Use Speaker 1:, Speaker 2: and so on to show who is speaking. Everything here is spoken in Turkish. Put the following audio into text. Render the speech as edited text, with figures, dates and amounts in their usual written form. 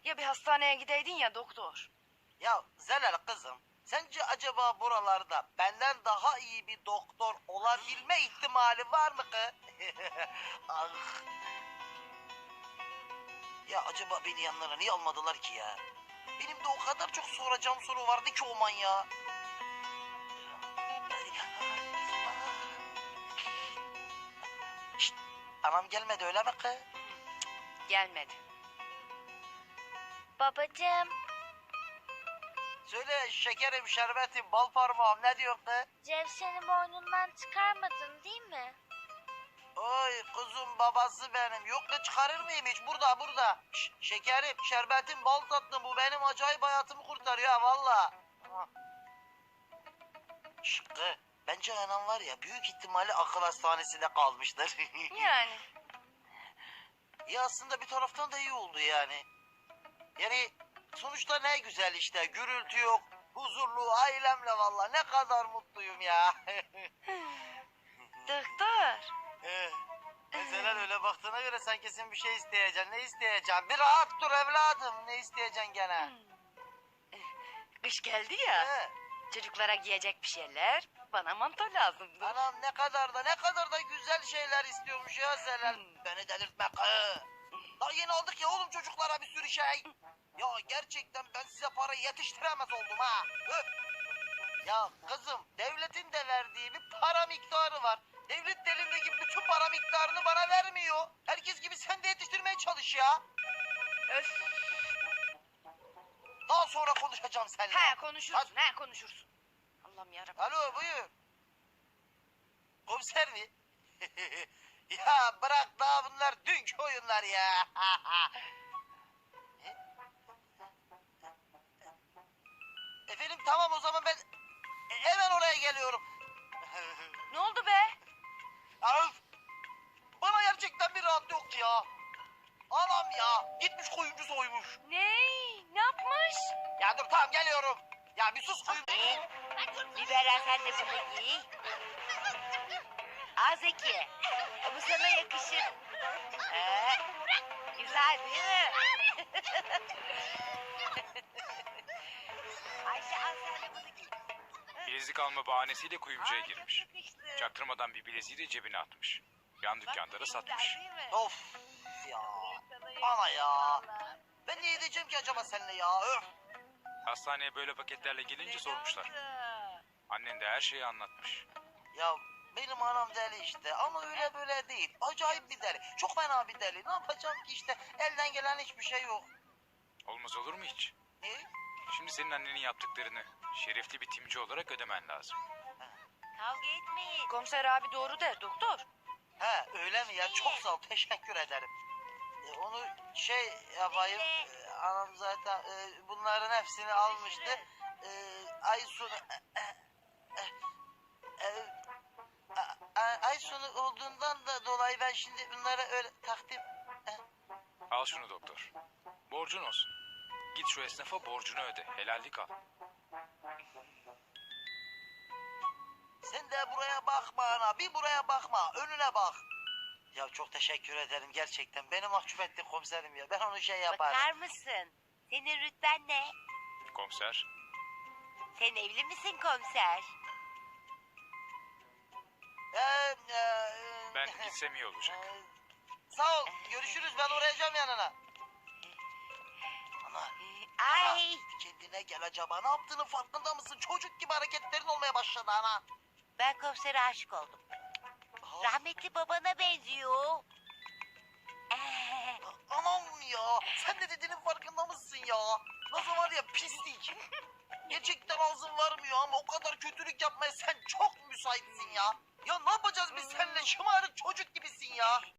Speaker 1: Ya bir hastaneye gideydin ya doktor.
Speaker 2: Ya Zelal kızım, sence acaba buralarda benden daha iyi bir doktor olabilme ihtimali var mı ki? Ah. Ya acaba beni yanlarına niye almadılar ki ya? Benim de o kadar çok soracağım soru vardı ki o manyağa. Şşt, anam gelmedi öyle mi ki?
Speaker 1: Gelmedi.
Speaker 3: Babacığım,
Speaker 2: Söyle şekerim, şerbetim, bal parmağım, ne diyorsun ki?
Speaker 3: Cevşen'i boynundan çıkarmadın değil mi?
Speaker 2: Oy kuzum, babası benim. Yok da çıkarır mıyım hiç? Burada. Şekerim, şerbetim, bal tatlım, bu benim acayip hayatımı kurtarıyor ha valla. Şıkkı, bence anam var ya, büyük ihtimalle akıl hastanesinde kalmıştır.
Speaker 1: Yani.
Speaker 2: Ya aslında bir taraftan da iyi oldu yani. Yani sonuçta ne güzel işte, gürültü yok, huzurlu ailemle, valla ne kadar mutluyum ya.
Speaker 1: Doktor.
Speaker 2: Mesela öyle baktığına göre sen kesin bir şey isteyeceksin. Ne isteyeceksin? Bir rahat dur evladım. Ne isteyeceksin gene?
Speaker 1: Kış geldi ya.
Speaker 2: He.
Speaker 1: Çocuklara giyecek bir şeyler. Bana manto lazımdı.
Speaker 2: Anam ne kadar da güzel şeyler istiyormuş ya Zelal. Beni delirtme kı. Daha yeni aldık ya oğlum çocuklara bir sürü şey. Ya gerçekten ben size para yetiştiremez oldum ha. Öf. Ya kızım, devletin de verdiği bir para miktarı var. Devlet de elindeki bütün para miktarını bana vermiyor. Herkes gibi sen de yetiştirmeye çalış ya.
Speaker 1: Öf.
Speaker 2: Daha sonra konuşacağım seninle.
Speaker 1: He konuşursun. He konuşursun. Allah'ım yarabbim.
Speaker 2: Alo, buyur. Komiser mi? Ya bırak, daha bunlar dünkü oyunlar ya. Efendim tamam, o zaman ben hemen oraya geliyorum.
Speaker 1: Ne oldu be?
Speaker 2: Öf! Bana gerçekten bir rahat yok ki ya. Anam ya, gitmiş kuyumcu soymuş.
Speaker 1: Ne? Ne yapmış?
Speaker 2: Ya dur tamam, geliyorum. Ya bir sus kuyumcu.
Speaker 1: Biberler sen de bunu giy. Zeki. Bu sana yakışır. Güzel değil mi? Ayşe al sen de bunu giy.
Speaker 4: Bilezik alma bahanesiyle kuyumcuya
Speaker 1: Ay,
Speaker 4: girmiş.
Speaker 1: çok yakıştı.
Speaker 4: Çaktırmadan bir bileziği de cebine atmış. Yan dükkanda da satmış.
Speaker 1: Güzel değil mi?
Speaker 2: Of ya.
Speaker 1: Sana
Speaker 2: Ana ya.
Speaker 1: yakışır.
Speaker 2: Ben ne edeceğim ki acaba seninle ya? Öf.
Speaker 4: Hastaneye böyle paketlerle gelince sormuşlar. Annen de her şeyi anlatmış.
Speaker 2: Ya benim anam deli işte, ama öyle böyle değil. Acayip bir deli. Çok fena bir deli. Ne yapacağım ki işte? Elden gelen hiçbir şey yok.
Speaker 4: Olmaz olur mu hiç?
Speaker 2: Ne?
Speaker 4: Şimdi senin annenin yaptıklarını şerefli bir timci olarak ödemen lazım.
Speaker 1: Kavga etmeyin. Komiser abi doğru der doktor.
Speaker 2: He öyle mi ya? Çok sağ ol. Teşekkür ederim. Onu şey yapayım. Anam zaten bunların hepsini almıştı. Ay sonu... ay sonu olduğundan da dolayı ben şimdi bunlara öyle takdim...
Speaker 4: Al şunu doktor. Borcun olsun. Git şu esnafa borcunu öde. Helallik al.
Speaker 2: Sen de buraya bakma ana. Bir buraya bakma. Önüne bak. Ya çok teşekkür ederim gerçekten. Beni mahcup ettin komiserim ya. Ben onu şey yaparım.
Speaker 1: Bakar mısın? Senin rütben ne?
Speaker 4: Komiser.
Speaker 1: Sen evli misin komiser?
Speaker 4: Ben gitsem iyi olacak.
Speaker 2: Sağ ol. Görüşürüz. Ben uğrayacağım yanına. Ana.
Speaker 1: Ay.
Speaker 2: Bir kendine gel acaba. Ne yaptığının farkında mısın? Çocuk gibi hareketlerin olmaya başladı ana.
Speaker 1: Ben komisere aşık oldum. Rahmetli babana benziyor.
Speaker 2: Anam ya. Sen de dediğinin farkında mısın ya? Nasıl var ya, pislik. Gerçekten ağzın varmıyor ama o kadar kötülük yapmaya sen çok müsaitsin ya. Ya ne yapacağız biz seninle? Şımarık çocuk gibisin ya.